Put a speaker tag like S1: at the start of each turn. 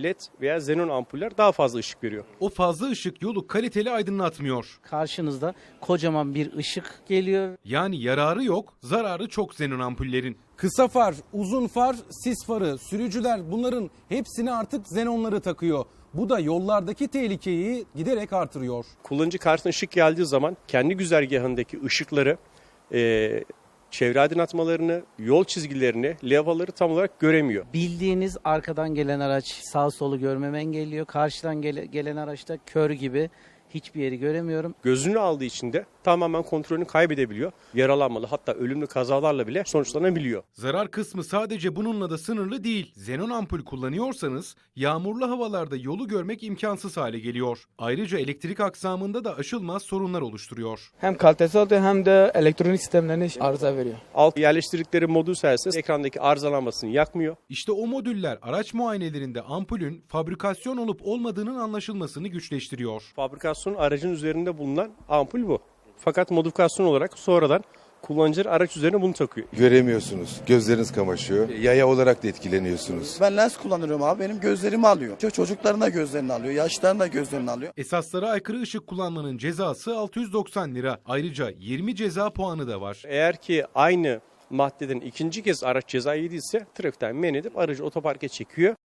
S1: LED veya xenon ampuller daha fazla ışık veriyor.
S2: O fazla ışık yolu kaliteli aydınlatmıyor.
S3: Karşınızda kocaman bir ışık geliyor.
S2: Yani yararı yok, zararı çok xenon ampullerin.
S4: Kısa far, uzun far, sis farı, sürücüler bunların hepsini artık xenonları takıyor. Bu da yollardaki tehlikeyi giderek artırıyor.
S1: Kullanıcı karşısına ışık geldiği zaman kendi güzergahındaki ışıkları, çevre aydınlatmalarını, yol çizgilerini, levhaları tam olarak göremiyor.
S3: Bildiğiniz arkadan gelen araç sağ solu görmemi engelliyor. Karşıdan gelen araçta kör gibi hiçbir yeri göremiyorum.
S1: Gözünü aldığı için de tamamen kontrolünü kaybedebiliyor. Yaralanmalı, hatta ölümlü kazalarla bile sonuçlanabiliyor.
S2: Zarar kısmı sadece bununla da sınırlı değil. Xenon ampul kullanıyorsanız yağmurlu havalarda yolu görmek imkansız hale geliyor. Ayrıca elektrik aksamında da aşılmaz sorunlar oluşturuyor.
S5: Hem kalitesi oluyor hem de elektronik sistemlerine arıza veriyor.
S1: Alt yerleştirdikleri modül sayesinde ekrandaki arızalanmasını yakmıyor.
S2: İşte o modüller araç muayenelerinde ampulün fabrikasyon olup olmadığının anlaşılmasını güçleştiriyor.
S1: Fabrikasyon aracın üzerinde bulunan ampul bu. Fakat modifikasyon olarak sonradan kullanıcılar araç üzerine bunu takıyor.
S6: Göremiyorsunuz. Gözleriniz kamaşıyor. Yaya olarak da etkileniyorsunuz.
S7: Ben lens kullanıyorum abi. Benim gözlerimi alıyor. Çocukların da gözlerini alıyor. Yaşlıların da gözlerini alıyor.
S2: Esaslara aykırı ışık kullanmanın cezası 690 lira. Ayrıca 20 ceza puanı da var.
S1: Eğer ki aynı maddeden ikinci kez araç ceza yediyse trafikten men edip aracı otoparka çekiyor.